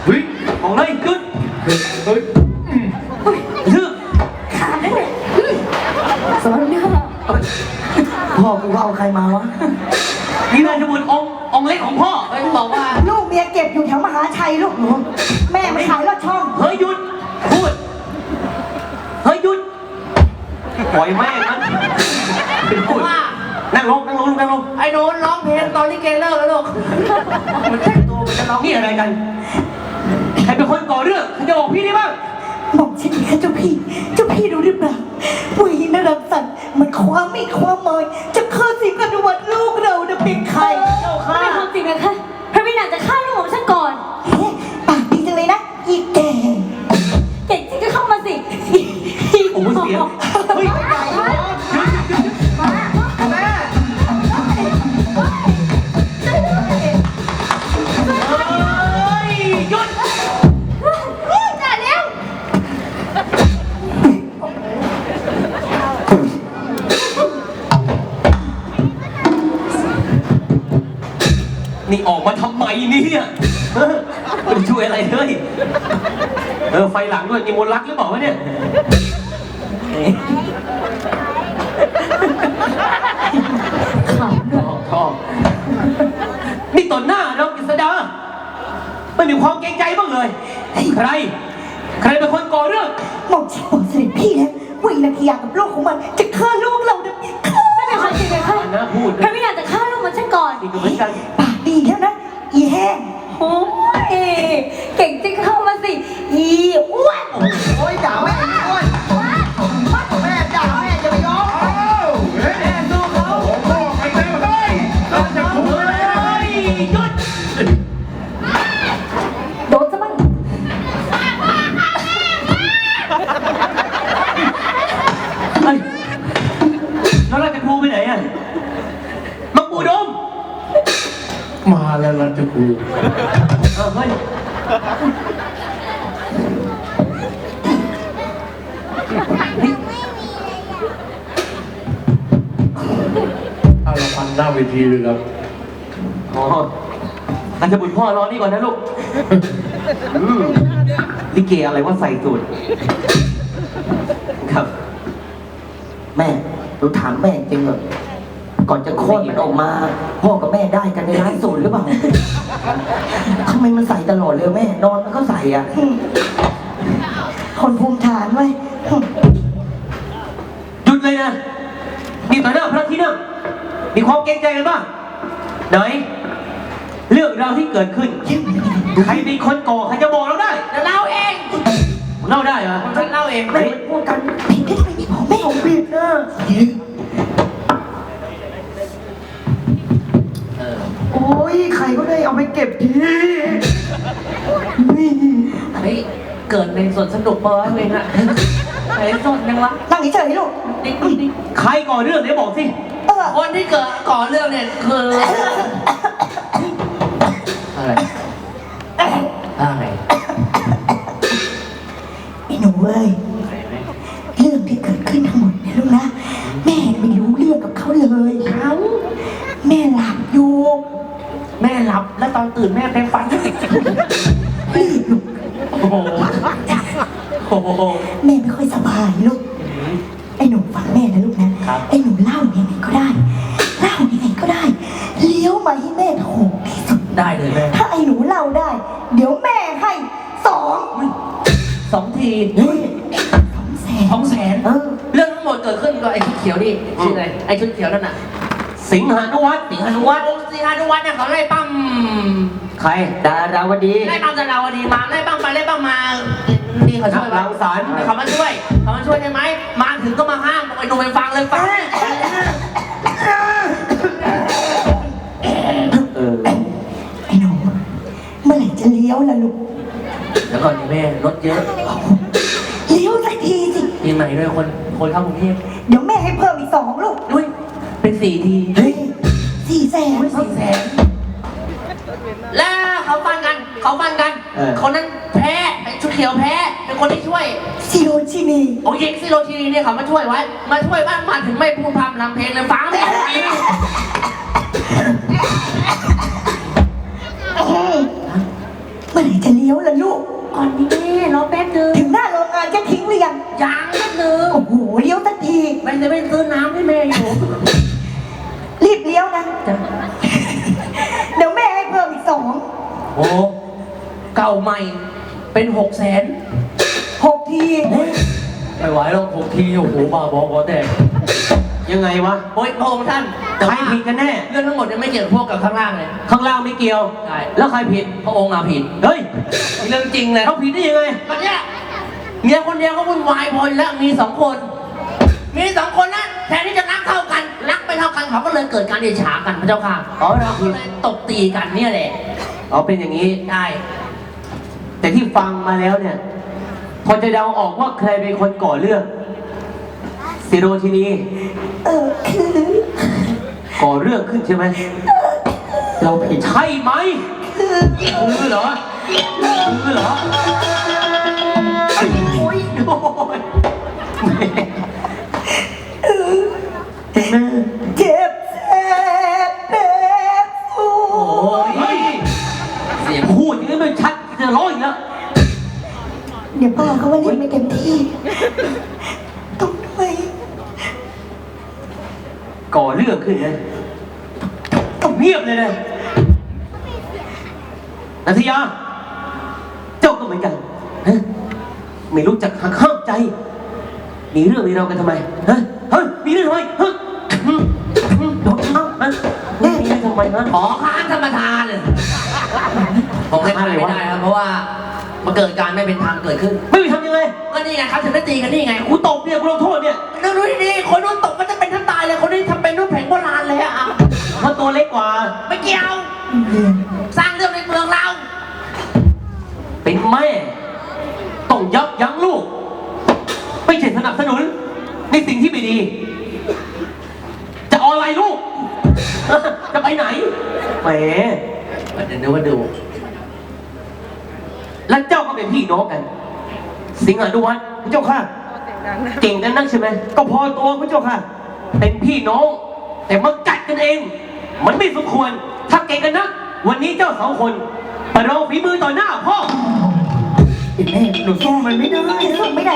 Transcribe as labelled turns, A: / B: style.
A: ฮ้ย
B: ออกเลยขึ้น
A: เฮ้ย
B: ชื่อ
C: ขาดนั่นแหละสอนหน้า
D: พ่อกูว่าเอาใครมาวะ
B: นี่นายจะบุญองค์เล็กของพ่อบอกว่า
D: ลูกเมียเก็บอยู่แถวมหาชัยลูกหนูแม่ไม่ขายรถช่อง
B: เฮ้ยหยุดพูดเฮ้ยหยุดปล่อยแม่งมันเป็นพูดนั่งลง
E: ไอ้โน้นร้องเพลงตอนลิเกเลิกแล้วลูกมันแต่งตัวมันจะร้อง
B: นี่อะไรกันใครเป็นคนก่อเรื่องใครจะบอกพี่ได้บ้าง
D: บอกฉันดิค่ะเจ้าพี่รู้หรือเปล่าผู้หญิงนรังสรรค์มันความไม่ความเมยจะฆ่าสิงห์อนุวัตลูกเราจะเป็นใคร
C: ไม่เป็นความจริงนะคะพระวินาศจะฆ่าลูกของฉันก่อน
D: เฮ้ปากดีจังเลยนะอีแก่
C: เก่งจริงก็เข้ามาสิ
B: โอ้โหเสียงเฮ้ยหยุด
C: จ่าเร็ว
B: นี่ออกมาทำไมเนี่ยไม่ได้ช่วยอะไรเลยไฟหลังด้วยนี่มนต์รักหรือเปล่าวะเนี่ยชอบนี่ต่อหน้าเรากฤษดาไม่มีความเกรงใจบ้างเลยใครเป็นคนก่อเรื่อง
D: บอกฉันบอกเสด็จพี่แล้วว่าอีนาทียากับลูกของมันจะฆ่าลูกเราจะเป็นฆ่า
C: ไม่เป็นความจริงนะคะ
B: นะพูด
C: พระวินาศจะฆ่าลูกของฉันก่อน
B: นี่ก็เหมือนกัน
D: ปากดีแล้วนะอีแห้ง
C: โอ้ยเก่งจริงเข้ามาสิอีอ้วน
D: โอ้ยด่าแม่อ้วนแม่ด่าแม่จะไปยอม
A: อ้าวเฮ้ยดูเขาผมบอกไปแล้วเฮ้ยเราจะคุยเลย
B: หยุด
C: โดนซะบ้าง
B: เฮ้ยแล้วราชครูไปไหนอ่ะมังปูดม
A: มาแล้วเราจะคุย
B: เฮ้ย
A: เอาละพันหน้าเวทีเลยครับ
B: อ๋ออาจจะบุญพ่อรอนี่ก่อนนะลูกลิเกอะไรว่าใส่สูตรครับ
D: แม่หนูถามแม่จริงเหรอก่อนจะคลอดมันออกมา พ่อกับแม่ได้กันในร้านสูตรหรือเปล่าทำไมมันใส่ตลอดเลยแม่นอนมันก็ใส่อ่ะคนภูมิฐานไว้
B: หยุดเลยนะนี่ต่อหน้าพระที่นั่งมีความเกรงใจกันบ้างไหนเรื่องราวที่เกิดขึ้นใครเป็นคนก่อใครจะบอกเราได้
E: เดี๋ยวเล่าเอง
B: เล่าได้เหรอ
E: ฉันเล่าเอง
D: แม่พูดกันผิดได้ไหมนี่ผมไม่ผมผิดนะโอ้ยใครก็ได้เอาไปเก็บที
E: เฮ้ยเกิดในสวนสนุกปะวะเองอะไอ้สนยังวะ
D: นั่งเฉยๆลูก
E: นี่
B: ใครก่อเรื่องเดี๋ยวบอกสิ
E: คนที่เกิดก่อเรื่องเนี่ยคืออะไรอะไร
D: ไอ้หนูเว้ยเรื่องที่เกิดขึ้นทั้งหมดเนี่ยลูกนะแม่ไม่รู้เรื่องกับเขาเลยเขาแม่หลับอยู่
E: แม่หลับแล้วตอนตื่นแม่เป็นฟัน
D: รีบลูก
E: โอ้โหโอ้โห
D: แม่ไม่ค่อยสบายลูกไอ้หนูฟังแม่นะลูกนะไอ้หนูเล่ายังไงก็ได้เล่ายังไงก็ได้เลี้ยวมาให้แม่ถูกที่สุด
E: ได้เลยแม่
D: ถ้าไอ้หนูเล่าได้ เดี๋ยวแม่ให้
E: 2 ที
D: เฮ้ย200,000
E: 200,000เรื่องทั้งหมดเกิดขึ้นกับไอ้ชุดเขียวนี่ชื่ออะไรไอ้ชุดเขียวนั่นน่ะ
B: สิงหานุวัฒน์
E: สิงหานุวัฒน์สิงหานุวัฒน์เนี่ยเขาไล่ปั้ม
B: ใคร
D: ดาราวดี
E: ไล่ปั้มดาราวดีมาไล่ปั้มไปไล่ปั้มมานี่เขาช่วย
B: รังสรรค์
E: เขามาช่วยใช่ไหมมาถึงก็มาห้ามบอกไอ้หนุ่มไปฟังเลยฟัง
D: ไอ้หนูเมื่อไหร่จะเลี้ยวล่ะลูก
E: แล้วก่อนนี่แม่รถเยอะ
D: เลี้ยวสักทีสิ
E: ปีใหม่ด้วยคนเข้ากรุงเทพ
D: เดี๋ยวแม่ให้เพิ่มอีก2ลูก
E: ด้วยเป็น4 ที
D: เฮ้ย400,000
E: 400,000แล้วเขาฟันกันคนนั้นแพ้ไอ้ชุดเขียวแพ้เป็นคนที่ช่วย
D: ซิโรชินี
E: โอ้ยซิโรชีเนี่ยเขามาช่วยไว้มาช่วยบ้านมาถึงไม่พูดพำนำเพลงเลยฟังไม่ได้
D: เมื่
C: มื่อไหร่จะเลี้ยวล่ะลูก
E: ก่อนนี้แม่รอแป๊บนึง
C: ถึงหน้าโรงงานจะทิ้งหรือยัง
E: ยังแป๊บนึง
C: โอ้โหเลี้ยวสักที
E: มันจะไปซื้อน้ำให้แม่อยู่
C: รีบเลี้ยวนะเดี๋ยวแม่ให้เพิ่มอีก2
E: โอ้เก่าใหม่เป็น
C: 6 ที
E: ไม่ไหวแล้ว6 ทีโอ้โหบ้าบอแตก
B: ยังไงวะ
E: โอ้ยพระองค์ท่านแต่
B: ใคร
E: ว่า
B: ผิดกันแน่
E: เรื่องทั้งหมดเนี่ยไม่เกี่ยวกับพวกกับข้างล่างเลย
B: ข้างล่างไม่เกี่ยว
E: ใช่
B: แล้วใครผิด
E: พระองค์ผิด
B: เฮ้ย
E: เรื่องจริงเลย
B: เขาผิดได้ยังไง
E: ตอนเนี้ยเมียคนเดียวก็วุ่นวายพออยู่แล้วมี2 คน มี2 คนนะแทนที่จะรักเท่ากันรักไม่เท่ากันเขาก็เลยเกิดการเดชากันพระเจ้าค่ะ
B: อ๋อเรา
E: ก็เลยตบตีกันเนี่ยแหละ
B: เอาเป็นอย่างนี้
E: ใช่
B: แต่ที่ฟังมาแล้วเนี่ย พอจะเดาออกว่าใครเป็นคนก่อเรื่องสิโรชินี
C: คือ
B: ก่อเรื่องขึ้นใช่ไหม
D: เราผิด
B: ใช่ไหมคือเหรอคือเหรอโอ้ยโอ้ยเห็นไหม
C: เจ็บแสบแผลสู
B: โอ้ยเสียงพูดอย่างนี้มันชัดจะร้องอีกแล้ว
C: เดี๋ยวป้าเขาว่าเล่นไม่เต็มที่ต้องด้วย
B: ก่อเรื่องขึ้นนะต้องเงียบเลยนะนันทยา เจ้าก็เหมือนกันฮะไม่รู้จักหักห้ามใจ มีเรื่องมีเรากันทำไมฮะเฮ้ยมีเรื่องทำไมฮะโดนเอ้าฮะมีเรื่องทำไมฮะ
E: ขอค้านธรรมทานเลยผมให้ทานไม่ได้ครับเพราะว่ามันเกิดการไม่เป็นธรรมเกิดขึ้น
B: ไม่มีทำยังไง
E: ก็นี่ไงครับถึงได้ตีกันนี่ไง
B: กูตบเนี่ยกูลงโทษเนี่ย
E: ดูดีๆคนนู้นตกก็จะเป็นทั้งตายเลยคนนี้ทำเป็นรูปแผงโบราณเลยอะ
B: เพราะตัวเล็กกว่า
E: ไม่เกี่ยว สร้างเรื่องในเมืองเรา
B: เป็นแม่ต้องยับยั้งลูก ไม่ใช่สนับสนุนในสิ่งที่ไม่ดี จะเอาอะไรลูก จะไปไหนแหม
E: เดี๋ยวนึกว่าดู
B: แล้วเจ้าก็เป็นพี่น้องกัน สิงหานุวัฒน์พระเจ้าค่ะ เก่งกันนักใช่ไหมก็พอตัวพระเจ้าค่ะ เป็นพี่น้อง แต่มากัดกันเอง มันไม่สมควร ถ้าเก่งกันนัก วันนี้เจ้า2 คนประลองฝีมือต่อหน้าพ่อ
D: แม่หนูสู้มันไม่ได้
C: สู้ไม่ได้